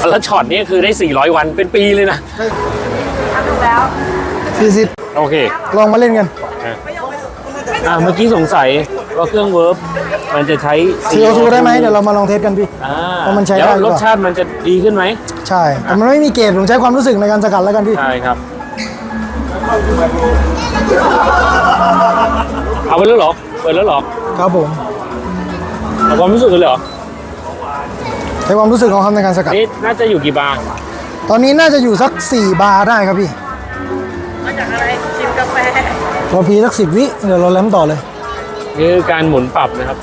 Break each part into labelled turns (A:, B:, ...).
A: แล้วช็อตนี้คือได้400วันเป็นปีเลยนะ
B: ถูกแล้ว
C: 40
A: โอเค
C: ลองมาเล่นกัน
A: เมื่อกี้สงสัยว่าเครื่องเวิร์บมันจะใช้
C: CO2 ได้ไหมเดี๋ยวเรามาลองเทสกันพี่ว่ามันใช้ได้
A: แล้วรสชาติมันจะดีขึ้นไหม
C: ใช่แต่มันไม่มีเกรดผมใช้ความรู้สึกในการสกัดแล้วกันพี่
A: ใช่ครับเอาไปแล้วหรอเปิดแล้วหรอ
C: ครับผม
A: เอาความรู้สึกเลยเหรอ
C: ใช้ความรู้สึกของเขาในการสกัด
A: นี่น่าจะอยู่กี่บาร์
C: ตอนนี้น่าจะอยู่สัก4 บาร์ได้ครับพี่
B: มาจากอะไรชิมกาแฟ
C: เราพีสัก10 วิเดี๋ยวเราแล้มต่อเลย
A: นี่คือการหมุนปรับนะครับ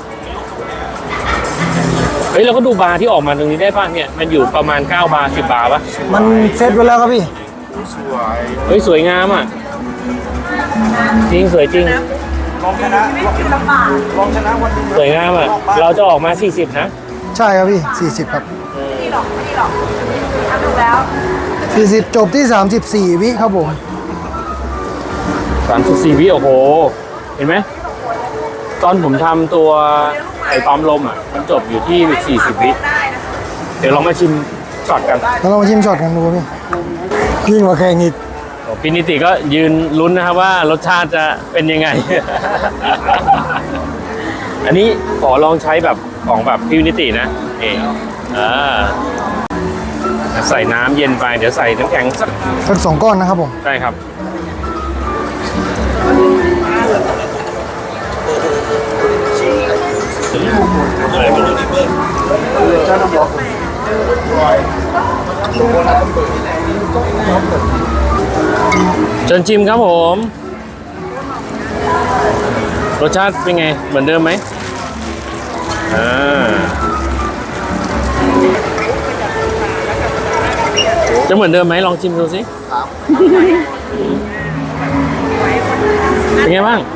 A: เฮ้ยเราก็ดูบาร์ที่ออกมาตรงนี้ได้ป่ะเนี่ยมันอยู่ประมาณ9 บาร์10 บาร์ป่ะ
C: มันเซตไว้แล้วครับพี่
A: เฮ้ยสวยงามอ่ะจริงสวยจริง
B: ลองชนะ
A: วันสวยงามอ่ะเราจะออกมา40นะ
C: ใช่ครับพี่40ครับ
B: ไม่หรอกถูกแล้ว
C: 40จบที่34 วิครับผม
A: 34 วิโอ้โหเห็นไหมตอนผมทำตัวไอ้ปั๊มลมอ่ะมันจบอยู่ที่40 วิเดี๋ยวลองมาชิมช็อตกัน
C: เรามาชิมช็อตกันดูพี่ยิ่งกว่าแข่งอีก
A: พี่นิติก็ยืนลุ้นนะครับว่ารสชาติจะเป็นยังไง อันนี้ขอลองใช้แบบของแบบพี่นิตินะใส่น้ำเย็นไปเดี๋ยวใส่น้ำแข็ง
C: สัก2 ก้อนนะครับผม
A: ใช่ครับเชิญชิมครับผมรสชาติเป็นไงเหมือนเดิมไหมจะเหมือนเดิมไหมลองชิมดูสิเป็นไงบ้าง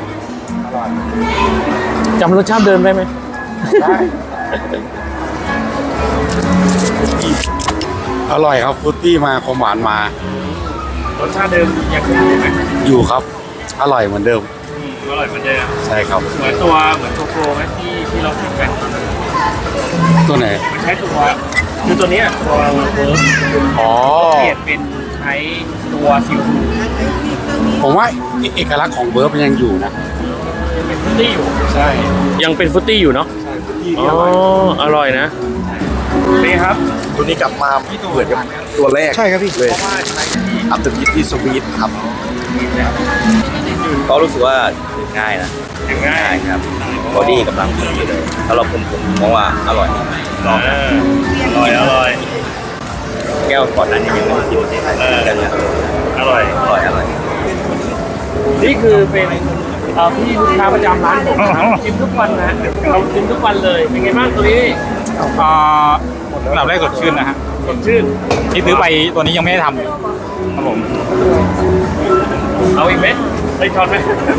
A: จำรสชาติเดิมได้ไหมได้
D: อร่อยครับฟรุตตี้มาความหวานมาร
A: สชาติเดิมยังคงอยู่ไหม
D: อยู่ครับอร่อยเหมือนเดิม
A: อร่อยเหมือนเดิม
D: ใช่ครับ
A: เหมือนตัวโฟไหมที่เราทำกัน
D: ตัวไหน
A: มันใช้ตัวคือตัวนี้ตัวเวิร์กเปลี่ยนเป็นใช้ตัวซิล
D: ผมว่าเอกลักษณ์ของเวิร์บยังอยู่นะ
A: ยังเป็นฟรุตตี้อยู่
D: ใช่
A: ยังเป็นฟรุตตี้อยู่เนาะ
D: ใช่ฟรุตตี้
A: อร่อยนะนี่ครับ
D: ตัวนี้กลับมาเหมือนกับตัวแรก
C: ใช่ครับพี่
D: เลยอัพเดทที่สวีทครับก็รู้สึกว่าง่ายนะ
A: ง่าย
D: ครับบอดี้กำลังดีเลยถ้าเราผมมองว่าอร่อย
A: อร่อย
D: แก้วก่อนนั้นยังไม่ชิมกันเนี่ย
A: อร่อยนี่คือเป็นพี่ลูกค้าประจำร้านผมครับชิมทุกวันนะเราชิมทุกวันเลยเป็นไงบ้างตัวนี้
E: ระดับแรกสดชื่นนะฮะ
A: สดชื่น
E: ที่ซื้อไปตัวนี้ยังไม่ได้ทำเลยครับผม
A: เอาอีกไหมไปช็อตไหม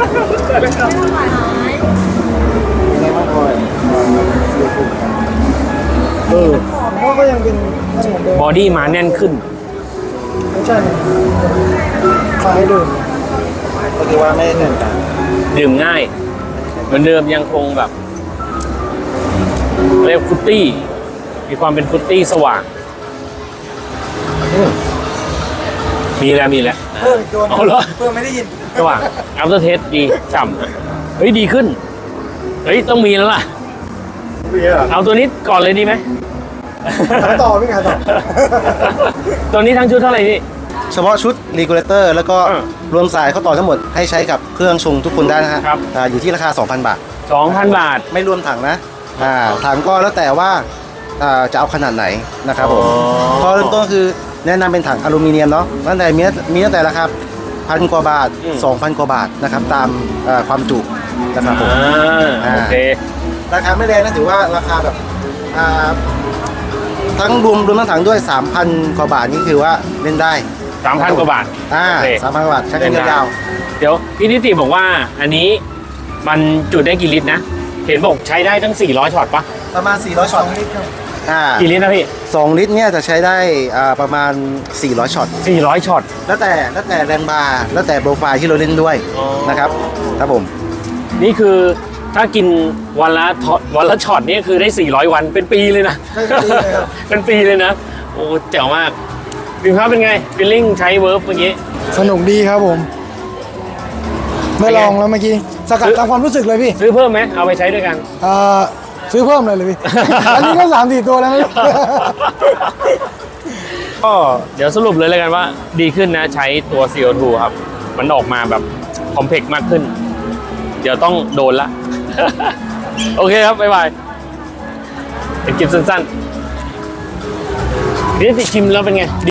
C: เพราะก็ยังเป็น
A: บอดี้มาแน่นขึ้น
C: ไม่ใช่คล้ายเดิม
D: ก็คือว่าไม่แน่นกัน
A: ดื่มง่ายเหมือนเดิมยังคงแบบเรียกฟรุตตี้มีความเป็นฟรุตตี้สว่างมีแล้ว
C: เพิ่มโดน
A: เอาเหรอ
C: เพิ่มไม่ได้ยิน
A: สว่างอัพเตอร์เทสดีฉ่ำเฮ้ยดีขึ้นเฮ้ยต้องมีแล้วล่ะเอาตัวนี้ก่อนเลยดีไหม
C: ขายต่อพี่ขายต่อ
A: ตัวนี้ทั้งชุดเท่าไหร่พี่
D: เฉพาะชุดรีกูเลเตอร์แล้วก็รวมสายเข้าต่อทั้งหมดให้ใช้กับเครื่องชงทุกคนได้นะฮะอยู่ที่ราคา 2,000 บาท
A: 2,000 บาท
D: ไม่รวมถังนะถังก็แล้วแต่ว่าจะเอาขนาดไหนนะครับผมพอเริ่มต้นคือแนะนำเป็นถังอลูมิเนียมเนาะตั้งแต่มีตั้งแต่ราคา1,000 กว่าบาท 2,000 กว่าบาทนะครับตามความจุนะครับผม
A: โอเค
D: ราคาไม่แรงนะถือว่าราคาแบบทั้งรวมทั้งถังด้วย 3,000 กว่าบาทนี่คือว่าเล่นได้
A: 3,000 กว่าบาท
D: 3,000 กว่าบาทใช้กันยาว
A: ๆเดี๋ยวพี่นิติบอกว่าอันนี้มันจุได้กี่ลิตรนะเห็นบอกใช้ได้ทั้ง400ช็อตปะ
D: ประมาณ400ช็อต
A: กี่ลิตรนะพี่
D: 2 ลิตรเนี่ยจะใช้ได้ประมาณ400ช็อต
A: 400ช็อต
D: แล้วแต่แรงบาร์แล้วแต่โปรไฟล์ที่เราเล่นด้วยนะครับครับผม
A: นี่คือถ้ากินวันละช็อตนี่คือได้400วันเป็นปีเลยนะเป็นปีเลยนะโอ้แจ๋วมากบิมครับเป็นไงฟีลลิ่งใช้เวิร์บเมื่อกี้
C: สนุกดีครับผม ไม่ลองแล้วเมื่อกี้สกัดตามความรู้สึกเลยพี่
A: ซื้อเพิ่มไหมเอาไปใช้ด้วยกัน
C: ซื้อเพิ่มเลยพี่ อันนี้ก็3-4 ตัวแล้วนะ
A: ก็เดี๋ยวสรุปเลยแล้วกันว่าดีขึ้นนะใช้ตัว CO2 ครับ มันออกมาแบบคอมเพล็กซ์มากขึ้น เดี๋ยวต้องโดนละ โอเคครับ บ๊ายบายเป็นคลิปสั้นๆนี่ติชิมแล้วเป็นไง